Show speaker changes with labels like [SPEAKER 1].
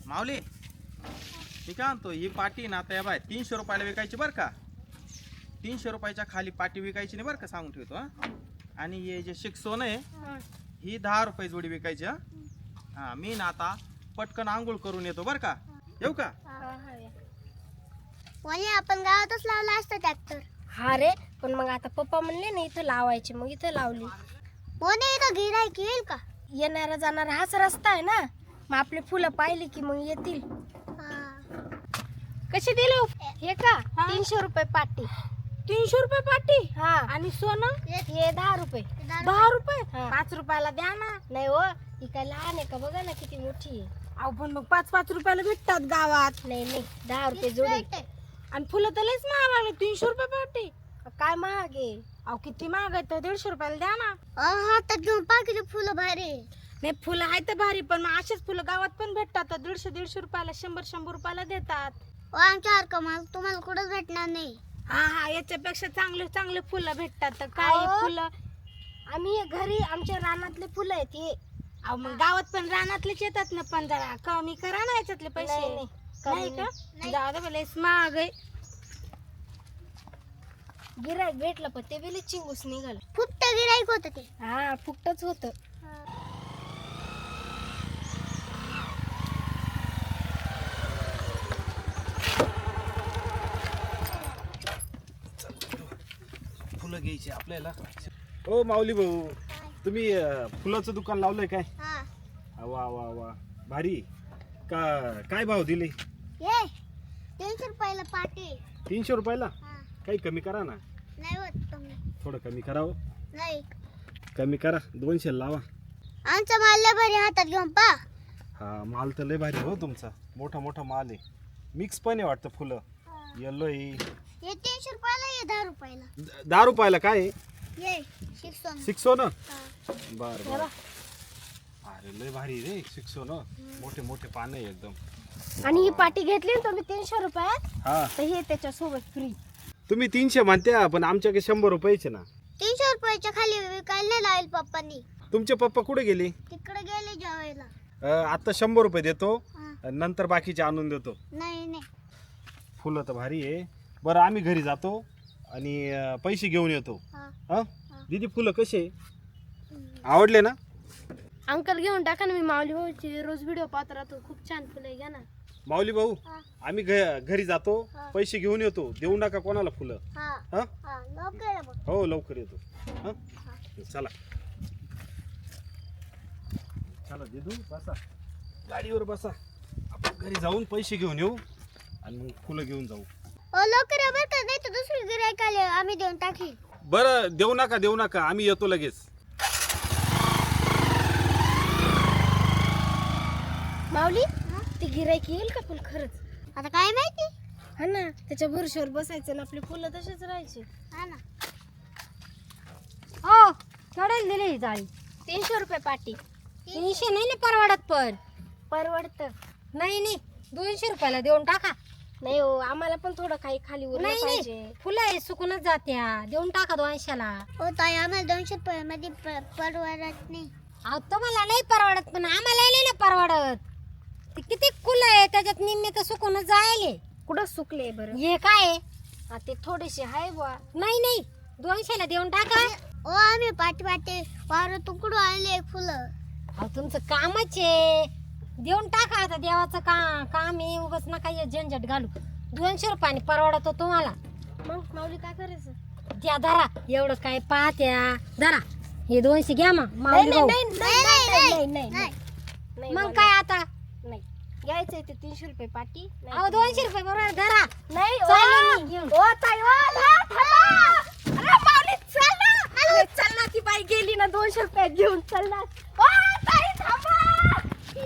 [SPEAKER 1] माऊली मी काय म्हणतो, ही पाटी ना आता बाय 300 रुपयाला विकायची बरं का. 300 रुपयाच्या खाली पाटी विकायची नाही बरं का, सांगून ठेवतो हा. आणि हे जे शिकसोन आहे ही 10 रुपये जोडी विकायची हा. हा मी ना आता पटकन आंघोळ करून येतो बरं का. येऊ का?
[SPEAKER 2] आपण गावातच लावला असतं ट्रॅक्टर.
[SPEAKER 3] हा रे, पण मग आता पप्पा म्हणले ना इथं लावायचे, मग इथं लावली.
[SPEAKER 2] मोने इथं गिराईक येईल का?
[SPEAKER 3] येणारा जाणारा हाच रस्ता आहे ना, मग आपली फुलं पाहिली की मग येतील. कशी दिलो हे का? 300 रुपये पाटी.
[SPEAKER 4] 300 रुपये पाटी.
[SPEAKER 3] हा.
[SPEAKER 4] आणि सोनं
[SPEAKER 3] हे 10 रुपये.
[SPEAKER 4] 10 रुपये.
[SPEAKER 3] हा.
[SPEAKER 4] 5 रुपयाला द्या ना.
[SPEAKER 3] नाही हो, ही काय लहान आहे का, बघा ना किती मोठी आहे.
[SPEAKER 4] अहो पण मग 5-5 रुपयाला भेटतात गावात.
[SPEAKER 3] नाही नाही, 10 रुपये जोडी.
[SPEAKER 4] आणि फुलं तर लयच महाग लागले. 300 रुपये पाटी.
[SPEAKER 3] काय महाग आहे.
[SPEAKER 4] अहो किती महाग आहे, तर 150 रुपयाला द्या ना.
[SPEAKER 2] हातात घेऊन पाकिट फुलं भारी.
[SPEAKER 4] नाही फुलं आहे तर भारी, पण मग असेच फुलं गावात पण भेटतात. 150-150 रुपयाला, 100-100 रुपयाला देतात.
[SPEAKER 2] आमच्यासारखं माल तुम्हाला कुठंच भेटणार नाही.
[SPEAKER 4] हा याच्यापेक्षा चांगले चांगले फुलं भेटतात. तर काय
[SPEAKER 3] अहो.
[SPEAKER 4] फुलं.
[SPEAKER 3] आम्ही घरी आमच्या रानातले फुलं आहेत हे.
[SPEAKER 4] अहो मग गावात पण रानातलेच येतात ना, पण जरा कमी करा ना याच्यातले पैसे.
[SPEAKER 3] नाही, नाही.
[SPEAKER 4] नाही
[SPEAKER 3] कमी
[SPEAKER 4] का? जाऊ दे, लयच महाग आहे.
[SPEAKER 3] गिराईक भेटलं पण ते बेली चिंगूस निघाल.
[SPEAKER 2] फुकट गिराईक होत ते.
[SPEAKER 3] हा फुकटच होत.
[SPEAKER 1] फुलं घ्यायची आपल्याला. ओ माऊली भाऊ, तुम्ही फुलाचं दुकान लावलंय काय? वा वा वा, भारी. काय भाव दिले?
[SPEAKER 2] ये 300 रुपयाला पाटी.
[SPEAKER 1] 300 रुपयाला. काही कमी करा ना.
[SPEAKER 2] नाही होत तुम्ही.
[SPEAKER 1] थोडं कमी करावं.
[SPEAKER 2] नाही,
[SPEAKER 1] कमी करा, 200 लावा.
[SPEAKER 2] आमचा माल लय भारी हातात घेऊन पा.
[SPEAKER 1] हा माल तर लय भारी हो तुमचा. मोठा मोठा माल आहे. मिक्स पण आहे वाटतं फुलं. येलो आहे.
[SPEAKER 2] हे 300 रुपयाला, हे 10 रुपयाला.
[SPEAKER 1] 10 रुपयाला काय आहे?
[SPEAKER 2] ये 600.
[SPEAKER 1] 600 ना. बर बर. अरे लय भारी रे 600 ना. मोठे मोठे पानं आहे एकदम.
[SPEAKER 3] आणि ही पाटी घेतली ना तुम्ही 300 रुपयात,
[SPEAKER 1] हा
[SPEAKER 3] तर हे त्याच्यासोबत फ्री.
[SPEAKER 1] तुम्ही 300 म्हणत्या, पण आमच्याकडे 100 रुपयाचे ना.
[SPEAKER 2] 300 रुपयाच्या खाली विकायला नाही लावेल पप्पांनी.
[SPEAKER 1] तुमचे पप्पा कुठे गेले?
[SPEAKER 2] तिकडे गेले जेवायला.
[SPEAKER 1] आता 100 रुपये देतो,
[SPEAKER 2] हा.
[SPEAKER 1] नंतर बाकीचे आणून देतो.
[SPEAKER 2] नाही नाही.
[SPEAKER 1] फुलं तर भारी आहे. बरं आम्ही घरी जातो आणि पैसे घेऊन येतो.
[SPEAKER 2] हा.
[SPEAKER 1] हा दीदी, फुलं कसे आवडले ना?
[SPEAKER 3] अंकल घेऊन टाका ना, मी माऊली भाऊची रोज व्हिडिओ पाहत राहतो, खूप छान फुलं आहे, घ्या ना.
[SPEAKER 1] माऊली भाऊ,
[SPEAKER 2] हा.
[SPEAKER 1] आम्ही घरी जातो,
[SPEAKER 2] हा.
[SPEAKER 1] पैसे घेऊन येतो. देऊ नका कोणाला फुलं.
[SPEAKER 2] हा
[SPEAKER 1] हा
[SPEAKER 2] हा, लवकर ये बघ.
[SPEAKER 1] हो लवकर येतो. हा चला चला दीदू, बसा गाडीवर बसा. आपण घरी जाऊन पैसे घेऊन येऊ आणि मग फुलं घेऊन जाऊ.
[SPEAKER 2] लवकर ये बरं का, नाही तर दुसरी गिराईक आले आम्ही देऊन टाकी.
[SPEAKER 1] बरं देऊ नका, आम्ही येतो लगेच.
[SPEAKER 3] माऊली, ती गिराईक येईल का पण खरंच?
[SPEAKER 2] आता काय माहिती.
[SPEAKER 3] हा ना, त्याच्या भरोश्यावर बसायचं ना, आपली फुलं तसेच राहायचे.
[SPEAKER 2] हा ना.
[SPEAKER 3] हो, केवढ्याला दिली ही जाळी? 300 रुपये पाटी.
[SPEAKER 4] 300 नाही ना परवडत, पण
[SPEAKER 3] परवडत.
[SPEAKER 4] नाही नाही 200 रुपयाला देऊन टाका.
[SPEAKER 3] नाही हो, आम्हाला पण थोडं काही खाली उरलं
[SPEAKER 4] नाही
[SPEAKER 3] पाहिजे.
[SPEAKER 4] नाही फुलं आहे सुकूनच जात्या. देऊन टाका 200ला.
[SPEAKER 2] हो ताई, आम्हाला 200 रुपयामध्ये परवडत नाही.
[SPEAKER 4] अहो तुम्हाला नाही परवडत, पण आम्हाला नाही ना परवडत. ते किती फुलं आहे, त्याच्यात निम्मे तर सुकूनच जायले.
[SPEAKER 3] कुठं सुकले बरं?
[SPEAKER 4] हे काय आहे?
[SPEAKER 3] हा, ते थोडेसे आहे बुवा.
[SPEAKER 4] नाही नाही 200ला देऊन टाका.
[SPEAKER 2] ओ आम्ही पाठी वावर तुकडू आणले फुलं.
[SPEAKER 4] अहो तुमचं कामच आहे. देऊन टाका आता, देवाचं काम आहे. उगाच नका हे झंझट घालू. 200 रुपयाने परवडतो तुम्हाला.
[SPEAKER 3] मग माऊली काय करायचं?
[SPEAKER 4] द्या धरा, एवढं काय पाहत्या. धरा हे 200 घ्या मग
[SPEAKER 3] नाही
[SPEAKER 4] माऊली
[SPEAKER 3] नाही
[SPEAKER 4] भाऊ.
[SPEAKER 3] नाही नाही नाही नाही नाही.
[SPEAKER 4] मग काय आता?
[SPEAKER 3] नाही घ्यायचंय ते 300 रुपये पाटी. नाही
[SPEAKER 4] अहो
[SPEAKER 3] तर
[SPEAKER 4] 200 रुपये बरोबर धरा.
[SPEAKER 3] नाही
[SPEAKER 4] चालले मी घेऊन.
[SPEAKER 3] ओ ताई, ओ थांबा. अरे माऊली चल ना. अरे चल ना, ती बाई गेली ना 200 रुपये घेऊन, चल ना.